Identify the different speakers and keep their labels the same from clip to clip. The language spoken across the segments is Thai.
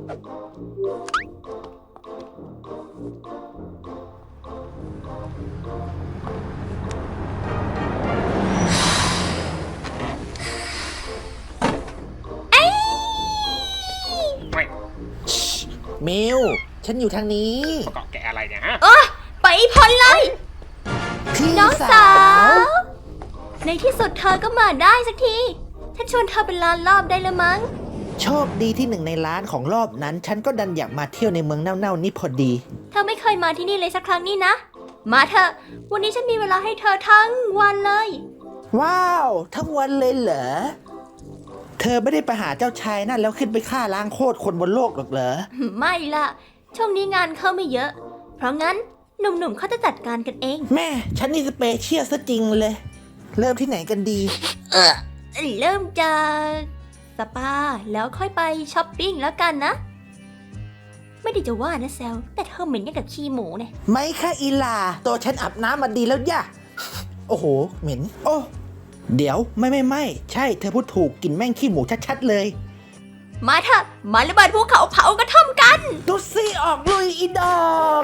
Speaker 1: มิวฉันอยู่ทางนี้
Speaker 2: เกาะแกอะไรเนี่ยฮะ
Speaker 3: ไปพ้นเลย
Speaker 1: พี่
Speaker 3: น้องสาวในที่สุดเธอก็มาได้สักทีฉันชวนเธอเป็นล้านรอบได้แล้วมั้ง
Speaker 1: โชคดีที่หนึ่งในล้านของรอบนั้นฉันก็ดันอยากมาเที่ยวในเมืองเน่าๆนี่พอดี
Speaker 3: เธอไม่เคยมาที่นี่เลยสักครั้งนี่นะมาเถอะวันนี้ฉันมีเวลาให้เธอทั้งวันเลย
Speaker 1: ว้าวทั้งวันเลยเหรอเธอไม่ได้ไปหาเจ้าชายนั่นแล้วขึ้นไปฆ่าล้างโคตรคนบนโลกหรอกเหรอ
Speaker 3: ไม่ล่ะช่วงนี้งานเข้าไม่เยอะเพราะงั้นหนุ่มๆเขาจะจัดการกันเอง
Speaker 1: แม่ฉันนี่สเปเชียลซะจริงเลยเริ่มที่ไหนกันดี
Speaker 3: เริ่มจากสปาแล้วค่อยไปช้อปปิ้งแล้วกันนะไม่ได้จะว่านะแซลแต่เธอเหม็นอย่างกับขี้หมูเนี่ย
Speaker 1: ไม่ค่ะอีลาตัวฉันอาบน้ำมาดีแล้วย่ะโอ้โหเหม็นโอ้เดี๋ยวไม่ใช่เธอพูดถูกกลิ่นแม่งขี้หมูชัดๆเลย
Speaker 3: มาเถอะมาระเบิดภูเขาเผากระท่อมกัน
Speaker 1: ตุ๊ซี่ออกลุยอีดอก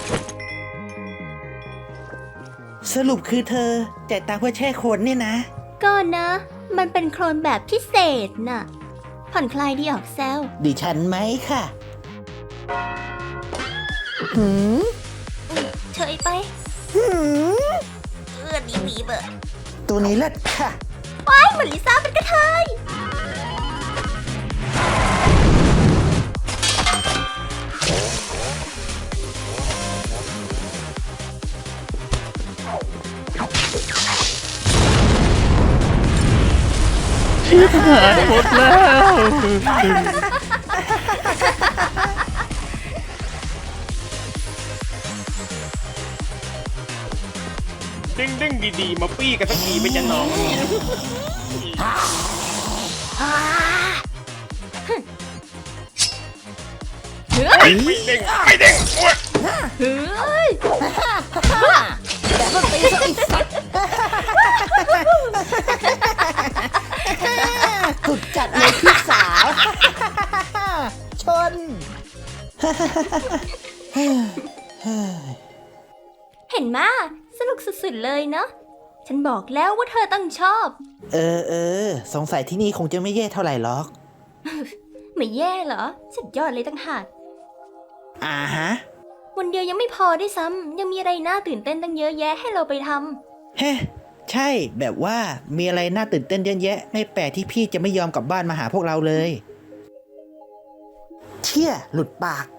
Speaker 1: สรุปคือเธอจ่ายตังค์เพื่อแช่โคลนเนี่ยนะ
Speaker 3: ก็นะมันเป็นโคลนแบบพิเศษน่ะผ่อนคลายดีออกแซว
Speaker 1: ดิฉันไหมค่ะ
Speaker 3: เฉยไปดีบีเบอร์
Speaker 1: ตัวนี้เลิศค่ะ
Speaker 3: ว้ายเหมือนลิซ่าเป็นกระเทย
Speaker 2: ชิบหายหมดแล้วดึงดีๆมาปี้กันสักทีไม่จะน้องไม่เด้ง
Speaker 3: เฮ้ย
Speaker 1: แต่ก็ตีซะอีกสัตว์สุดจัดเลยพี่สาวชน
Speaker 3: เห็นมาสนุกสุดๆเลยเนาะฉันบอกแล้วว่าเธอต้องชอบ
Speaker 1: สงสัยที่นี่คงจะไม่แย่เท่าไหร่หรอก
Speaker 3: ไม่แย่เหรอสุดยอดเลยตั้งหาก
Speaker 1: ฮะ
Speaker 3: วันเดียวยังไม่พอด้วยซ้ำยังมีอะไรน่าตื่นเต้นตั้งเยอะแยะให้เราไปท
Speaker 1: ำเฮ้ใช่แบบว่ามีอะไรน่าตื่นเต้นเยอะแยะไม่แปลกที่พี่จะไม่ยอมกลับบ้านมาหาพวกเราเลยเชี่ยหลุดปาก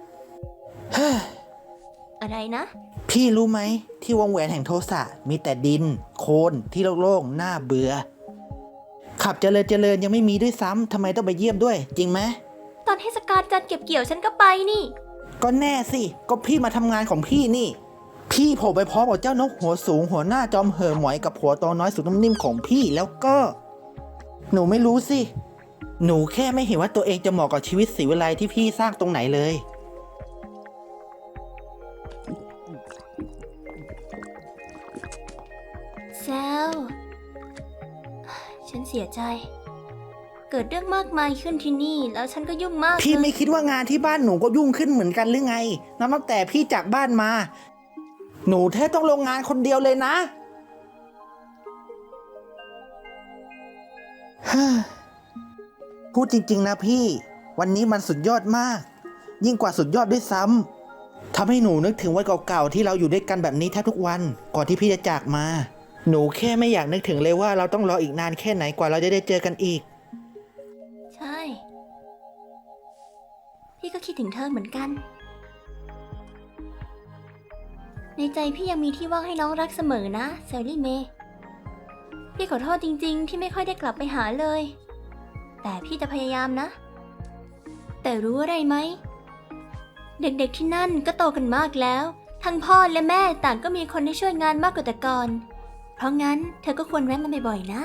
Speaker 3: อะไรนะ
Speaker 1: พี่รู้ไหมที่วงแหวนแห่งโทสะมีแต่ดินโคลนที่โล่งๆน่าเบื่อขับเจริญยังไม่มีด้วยซ้ำทำไมต้องไปเยี่ยมด้วยจริงไหม
Speaker 3: ตอนเทศกาลจัดเก็บเกี่ยวฉันก็ไปนี่
Speaker 1: ก็แน่สิก็พี่มาทำงานของพี่นี่พี่โผล่ไปพร้อมกับเจ้านกหัวสูงหัวหน้าจอมเห่อหมอยกับหัวโตน้อยสุดนิ่มของพี่แล้วก็หนูไม่รู้สิหนูแค่ไม่เห็นว่าตัวเองจะเหมาะกับชีวิตศรีวิไลที่พี่สร้างตรงไหนเลย
Speaker 3: แซวฉันเสียใจเกิดเรื่องมากมายขึ้นที่นี่แล้วฉันก็ยุ่งมาก
Speaker 1: พี่ไม่คิดว่างานที่บ้านหนูก็ยุ่งขึ้นเหมือนกันหรือไงนับตั้งแต่พี่จากบ้านมาหนูแทบต้องลงงานคนเดียวเลยนะพูดจริงๆนะพี่วันนี้มันสุดยอดมากยิ่งกว่าสุดยอดด้วยซ้ำทำให้หนูนึกถึงวันเก่าๆที่เราอยู่ด้วยกันแบบนี้แทบทุกวันก่อนที่พี่จะจากมาหนูแค่ไม่อยากนึกถึงเลยว่าเราต้องรออีกนานแค่ไหนกว่าเราจะได้เจอกันอีก
Speaker 3: ใช่พี่ก็คิดถึงเธอเหมือนกันในใจพี่ยังมีที่ว่างให้น้องรักเสมอนะแซลลี่เมย์พี่ขอโทษจริงๆที่ไม่ค่อยได้กลับไปหาเลยแต่พี่จะพยายามนะแต่รู้อะไรไหมเด็กๆที่นั่นก็โตกันมากแล้วทั้งพ่อและแม่ต่างก็มีคนให้ช่วยงานมากกว่าแต่ก่อนเพราะงั้นเธอก็ควรแวะมาบ่อยๆนะ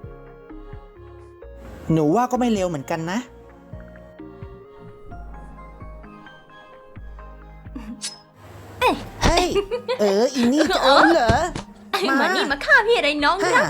Speaker 1: หนูว่าก็ไม่เลวเหมือนกันนะเฮ้ยอีนี่จะเอาเหรอ
Speaker 3: มานี่มาฆ่าพี่อะไรน้องนะ